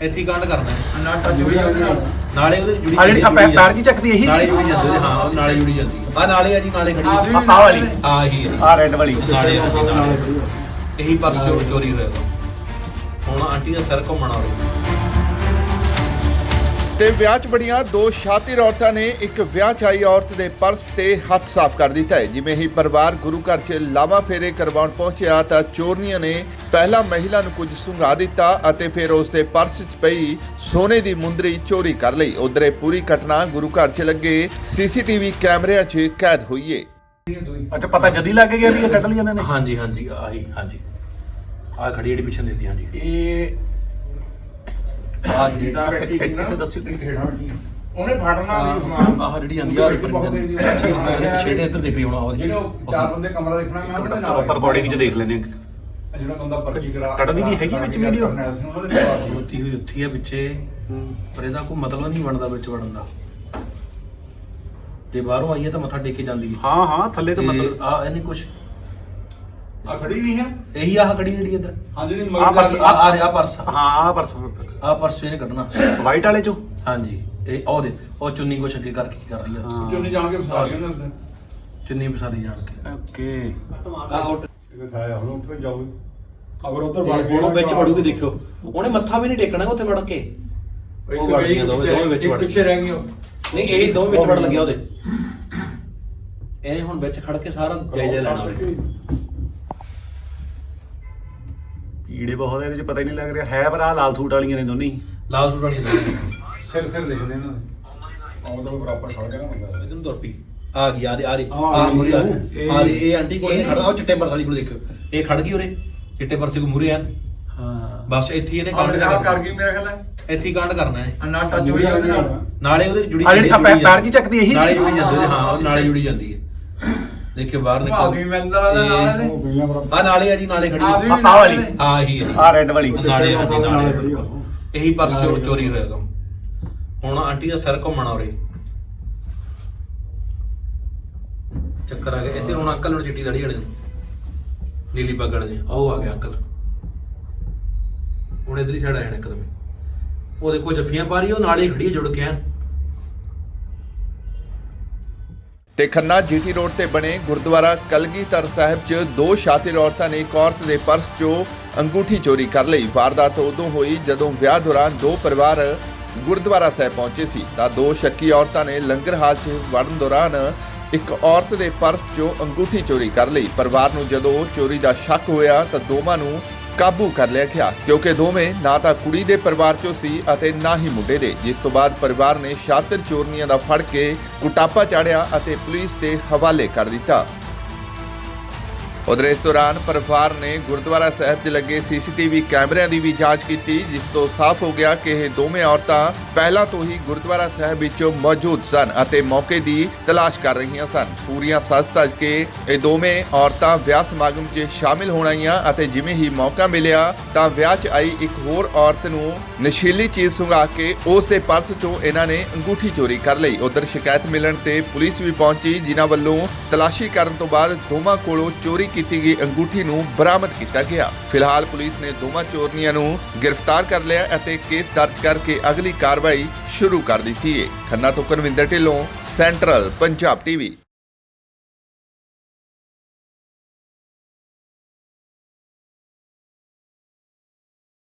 ਇੱਥੇ ਹੀ ਕਾਂਡ ਕਰਨਾ ਹੈ ਨਾ ਟੱਚ ਹੋਈ ਜਾਂਦੀ ਨਾਲ ਨਾਲੇ ਉਹਦੇ ਜੁੜੀ ਆ ਜਿਹੜੀ ਪੈਰ ਜੀ ਚੱਕਦੀ ਇਹੀ ਨਾਲੇ ਜੁੜੀ ਜਾਂਦੀ ਹਾਂ ਉਹ ਨਾਲੇ ਜੁੜੀ ਜਾਂਦੀ ਆ ਨਾਲੇ ਆ ਜੀ ਨਾਲੇ ਖੜੀ ਆ ਵਾਲੀ ਆ ਹੀ ਆ ਰੈੱਡ ਵਾਲੀ ਨਾਲੇ ਆ ਜੀ ਨਾਲੇ ਇਹੀ ਪਰਸ ਚੋਰੀ ਹੋਇਆ ਵਾ। ਹੁਣ ਆਂਟੀ ਦਾ ਸਿਰ ਘੁੰਮਣ ਵਾਲਾ ਤੇ ਵਿਆਹ 'ਚ ਬੜੀਆਂ ਦੋ ਸ਼ਾਤਿਰ ਔਰਤਾਂ ਨੇ ਇੱਕ ਵਿਆਹ 'ਚ ਆਈ ਔਰਤ ਦੇ ਪਰਸ ਤੇ ਹੱਥ ਸਾਫ਼ ਕਰ ਦਿੱਤਾ ਹੈ। ਜਿਵੇਂ ਹੀ ਪਰਿਵਾਰ ਗੁਰੂ ਘਰ 'ਚ ਲਾਵਾਂ ਫੇਰੇ ਕਰਵਾਉਣ ਪਹੁੰਚਿਆ ਤਾਂ ਚੋਰਨੀਆਂ ਨੇ ਪਹਿਲਾਂ ਮਹਿਲਾ ਨੂੰ ਕੁਝ ਸੁੰਘਾ ਦਿੱਤਾ ਅਤੇ ਫਿਰ ਉਸ ਦੇ ਪਰਸ 'ਚ ਪਈ ਸੋਨੇ ਦੀ ਮੁੰਦਰੀ ਚੋਰੀ ਕਰ ਲਈ। ਉਧਰ ਇਹ ਪੂਰੀ ਘਟਨਾ ਗੁਰੂ ਘਰ 'ਚ ਲੱਗੇ ਸੀਸੀਟੀਵੀ ਕੈਮਰਿਆਂ 'ਚ ਕੈਦ ਹੋਈ ਹੈ। ਅੱਛਾ ਪਤਾ ਜਦੀ ਲੱਗ ਗਿਆ ਵੀ ਇਹ ਕੱਢ ਲਈ ਇਹਨਾਂ ਨੇ। ਹਾਂਜੀ ਹਾਂਜੀ ਆਹੀ ਹਾਂਜੀ ਆ ਖੜੀ ਜਿਹੜੀ ਪਿੱਛੇ ਦੇਦੀ ਹਾਂਜੀ ਇਹ ਆ ਜਿਹੜੀ ਇੱਥੇ ਦੱਸਿਓ ਉਹਨੇ ਫੜਨਾ ਵੀ ਸਮਾਨ ਆਹ ਜਿਹੜੀ ਆਂਦੀ ਆ ਪਿੱਛੇ ਇੱਧਰ ਦੇਖ ਰਹੀ ਹੁਣ ਜਿਹੜੇ ਚਾਰ ਬੰਦੇ ਕਮਰਾ ਦੇਖਣਾ ਮੈਂ ਉਹਦੇ ਨਾਲ ਉੱਪਰ ਬੋਡੀ ਵਿੱਚ ਦੇਖ ਲੈਣੇ ਜਿਹੜਾ ਬੰਦਾ ਪਰਚੀ ਕਰਾ ਕੱਢਦੀ ਦੀ ਹੈਗੀ ਵਿੱਚ ਵੀਡੀਓ ਖਲੋਤੀ ਹੋਈ ਉੱਥੀ ਆ ਪਿੱਛੇ ਪਰ ਇਹਦਾ ਕੋਈ ਮਤਲਬ ਨਹੀਂ ਬਣਦਾ ਵਿੱਚ ਵੜਨ ਦਾ। ਜੇ ਬਾਹਰੋਂ ਆਈਏ ਤਾਂ ਮੱਥਾ ਟੇਕ ਕੇ ਜਾਂਦੀ ਹੈ। ਹਾਂ ਹਾਂ ਥੱਲੇ ਤਾਂ ਮਤਲਬ ਆ ਇਹਨੇ ਕੁਛ ਆ ਖੜੀ ਨਹੀਂ ਹੈ ਇਹੀ ਆਹ ਖੜੀ ਜਿਹੜੀ ਇੱਧਰ ਹਾਂ ਜਿਹੜੀ ਆ ਪਰਸ ਆ ਰਿਹਾ ਪਰਸ ਹਾਂ ਆ ਪਰਸ ਆ ਪਰਸ ਇਹਨੇ ਕੱਢਣਾ ਵਾਈਟ ਵਾਲੇ ਚੋਂ। ਹਾਂਜੀ ਇਹ ਉਹ ਦੇ ਉਹ ਚੁੰਨੀ ਕੁਛ ਅੱਗੇ ਕਰਕੇ ਕੀ ਕਰ ਰਹੀ ਆ ਹਾਂ। ਜੋ ਨਹੀਂ ਜਾਣ ਕੇ ਫਸਾ ਲਈ ਉਹਨਾਂ ਨੇ ਚੁੰਨੀ ਵਿਸਾਰੀ ਜਾਣ ਕੇ ਓਕੇ ਆ ਉੱਟ ਖਾਇਆ ਹੁਣ ਉੱਠ ਕੇ ਜਾਓ ਅਗਰ ਉਧਰ ਉਹਨੂੰ ਵਿੱਚ ਵੜੂਗੀ ਦੇਖਿਓ ਉਹਨੇ ਮੱਥਾ ਵੀ ਨਹੀਂ ਟੇਕਣਾ ਉੱਥੇ ਵੜ ਕੇ ਉਹ ਵੜ ਗਈਆਂ ਦੋਵੇਂ ਵਿੱਚ ਵੜ ਪਿੱਛੇ ਰਹਿ ਗਈਆਂ ਨਹੀਂ ਇਹ ਦੋਵੇਂ ਵਿੱਚ ਵੜ ਲੱਗਿਆ ਉਹਦੇ ਇਹਨੇ ਹੁਣ ਵਿੱਚ ਖੜ ਕੇ ਸਾਰਾ ਜਾਇਜ਼ਾ ਲੈਣਾ ਉਹਨੇ ਕੀੜੇ ਬਹੁਤ ਇਹਦੇ ਚ ਪਤਾ ਹੀ ਨਹੀਂ ਲੱਗ ਰਿਹਾ ਹੈ ਪਰ ਆ ਲਾਲ ਸੂਟ ਵਾਲੀਆਂ ਨੇ ਦੋਨੇ ਹੀ। ਲਾਲ ਸੂਟ ਵਾਲੀ ਸਿਰ ਦਿਖਦੇ ਇਹਨਾਂ ਦੇ ਆਉਂ ਤਾਂ ਬਰਾਬਰ ਖੜ ਗਿਆ ਨਾ ਬੰਦਾ ਇਹਨੂੰ ਤੁਰ ਪਈ ਆ ਗਈ ਆ ਰਹੀ ਆ ਮੁਰੀ ਆ ਰਹੀ ਇਹ ਆਂਟੀ ਕੋਲ ਨਹੀਂ ਖੜਦਾ ਉਹ ਚਿੱਟੇ ਪਰਸ ਵਾਲੀ ਕੋਲ ਦੇਖਿਓ ਇਹ ਖੜ ਗਈ ਉਰੇ ਚਿੱਟੇ ਪਰਸੇ ਕੋ ਮੂਰੇ ਆ ਹਾਂ ਬਸ ਇੱਥੇ ਇਹਨੇ ਕਾਂਡ ਕਾਂਡ ਕਰ ਗਈ ਮੇਰੇ ਖਿਆਲ ਹੈ ਇੱਥੇ ਹੀ ਕਾਂਡ ਕਰਨਾ ਹੈ ਨਾ ਟੱਚ ਹੋਈ ਜਾਂਦੀ ਨਾਲ ਨਾਲੇ ਉਹਦੇ ਜੁੜੀ ਆ ਜਿਹੜੀ ਪੈਰ ਜੀ ਚੱਕਦੀ ਇਹੀ ਨਾਲੇ ਜੁੜੀ ਜਾਂਦੀ ਹਾਂ ਉਹ ਨਾਲੇ ਜੁੜੀ ਜਾਂਦੀ ਹੈ ਦੇਖਿਓ ਬਾਹਰ ਭਾਵੀ ਨਿਕਲ ਮਿਲਦਾ ਨਾਲ ਨੇ ਆ ਨਾਲੇ ਆ ਜੀ ਨਾਲੇ ਖੜੀ ਆ ਵਾਲੀ ਆ ਹੀ ਹੈ ਆ ਰੈੱਡ ਵਾਲੀ ਨਾਲੇ ਆ ਜੀ ਨਾਲੇ ਬਿਲਕੁਲ ਇਹੀ ਪਰਸ ਚੋਰੀ ਹੋਇਆ ਕੰਮ ਹੁਣ ਆਂਟੀ ਦਾ ਸਿਰ ਘੁੰਮਣ ਆਉਰੇ ਚੱਕਰ ਆ ਗਿਆ ਇੱਥੇ ਹੁਣ ਅੰਕਲ ਨੂੰ ਚਿੱਟੀ ਦਾੜੀ ਵਾਲੇ ਨੂੰ ਨੀਲੀ ਪੱਗ ਵਾਲੇ ਉਹ ਆ ਗਿਆ ਅੰਕਲ ਹੁਣ ਇਧਰ ਹੀ ਛੜ ਆਇਆ ਇੱਕਦਮ ਉਹ ਦੇਖੋ ਜੱਫੀਆਂ ਪਾ ਰਹੀ ਉਹ ਨਾਲੇ ਖੜੀ ਜੁੜ ਕੇ ਆ ਤੇ ਖੰਨਾ ਜੀਟੀ ਰੋਡ ਤੇ ਬਣੇ ਗੁਰਦੁਆਰਾ ਕਲਗੀਧਰ ਸਾਹਿਬ 'ਚ ਦੋ ਸ਼ਾਤਿਰ ਔਰਤਾਂ ਨੇ ਇੱਕ ਔਰਤ ਦੇ ਪਰਸ 'ਚੋਂ ਅੰਗੂਠੀ ਚੋਰੀ ਕਰ ਲਈ। ਵਾਰਦਾਤ ਉਦੋਂ ਹੋਈ ਜਦੋਂ ਵਿਆਹ ਦੌਰਾਨ ਦੋ ਪਰਿਵਾਰ ਗੁਰਦੁਆਰਾ ਸਾਹਿਬ ਪਹੁੰਚੇ ਸੀ ਤਾਂ ਦੋ ਸ਼ੱਕੀ ਔਰਤਾਂ ਨੇ ਲੰਗਰ ਹਾਲ 'ਚ ਵੜਨ ਦੌਰਾਨ ਇੱਕ ਔਰਤ ਦੇ ਪਰਸ 'ਚੋਂ ਅੰਗੂਠੀ ਚੋਰੀ ਕਰ ਲਈ। ਪਰਿਵਾਰ ਨੂੰ ਜਦੋਂ ਚੋਰੀ ਦਾ ਸ਼ੱਕ ਹੋਇਆ ਤਾਂ ਦੋਵਾਂ ਨੂੰ ਕਾਬੂ ਕਰ ਲਿਆ ਗਿਆ ਕਿਉਂਕਿ ਦੋਵੇਂ ਨਾ ਤਾਂ ਕੁੜੀ ਦੇ ਪਰਿਵਾਰ 'ਚੋਂ ਸੀ ਅਤੇ ਨਾ ਹੀ ਮੁੰਡੇ ਦੇ। ਜਿਸ ਤੋਂ ਬਾਅਦ ਪਰਿਵਾਰ ਨੇ ਸ਼ਾਤਿਰ ਚੋਰਨੀਆਂ ਦਾ ਫੜ ਕੇ ਕੁਟਾਪਾ ਚਾੜਿਆ ਅਤੇ ਪੁਲਿਸ ਦੇ ਹਵਾਲੇ ਕਰ ਦਿੱਤਾ। ਉਧਰ ਇਸ ਦੌਰਾਨ ਪਰਿਵਾਰ ਨੇ ਗੁਰਦੁਆਰਾ ਸਾਹਿਬ 'ਚ ਲੱਗੇ ਸੀਸੀਟੀਵੀ ਕੈਮਰਿਆਂ ਦੀ ਵੀ ਜਾਂਚ ਕੀਤੀ ਜਿਸ ਤੋਂ ਸਾਫ਼ ਹੋ ਗਿਆ ਕਿ ਇਹ ਦੋਵੇਂ ਔਰਤਾਂ ਪਹਿਲਾਂ ਤੋਂ ਹੀ ਗੁਰਦੁਆਰਾ ਸਾਹਿਬ ਵਿੱਚ ਮੌਜੂਦ ਸਨ ਅਤੇ ਮੌਕੇ ਦੀ ਤਲਾਸ਼ ਕਰ ਰਹੀਆਂ ਸਨ। ਪੂਰੀਆਂ ਸੱਜ-ਧਜ ਕੇ ਇਹ ਦੋਵੇਂ ਔਰਤਾਂ ਵਿਆਹ ਸਮਾਗਮ 'ਚ ਸ਼ਾਮਿਲ ਹੋਣ ਆਈਆਂ ਅਤੇ ਜਿਵੇਂ ਹੀ ਮੌਕਾ ਮਿਲਿਆ ਤਾਂ ਵਿਆਹ 'ਚ ਆਈ ਇੱਕ ਹੋਰ ਔਰਤ ਨੂੰ ਨਸ਼ੀਲੀ ਚੀਜ਼ ਸੁੰਘਾ ਕੇ ਉਸ ਦੇ ਪਰਸ 'ਚੋਂ ਇਹਨਾਂ ਨੇ ਅੰਗੂਠੀ ਚੋਰੀ ਕਰ ਲਈ। ਉਧਰ ਸ਼ਿਕਾਇਤ ਮਿਲਣ ਤੇ ਪੁਲਿਸ ਵੀ ਪਹੁੰਚੀ ਜਿਨ੍ਹਾਂ ਵੱਲੋਂ ਤਲਾਸ਼ੀ ਕਰਨ ਤੋਂ ਬਾਅਦ ਦੋਵਾਂ ਕੋਲੋਂ ਚੋਰੀ ਕੀਤੀ ਗਈ ਅੰਗੂਠੀ ਨੂੰ ਬਰਾਮਦ ਕੀਤਾ ਗਿਆ। ਫਿਲਹਾਲ ਪੁਲਿਸ ਨੇ ਦੋਵਾਂ ਚੋਰਨੀਆਂ ਨੂੰ ਗ੍ਰਿਫਤਾਰ ਕਰ ਲਿਆ ਅਤੇ ਕੇਸ ਦਰਜ ਕਰਕੇ ਅਗਲੀ ਕਾਰਵਾਈ ਸ਼ੁਰੂ ਕਰ ਦਿੱਤੀ ਹੈ। ਖੰਨਾ ਤੋਂ ਕਨਵਿੰਦਰ ਢਿੱਲੋਂ, ਸੈਂਟਰਲ ਪੰਜਾਬ ਟੀਵੀ।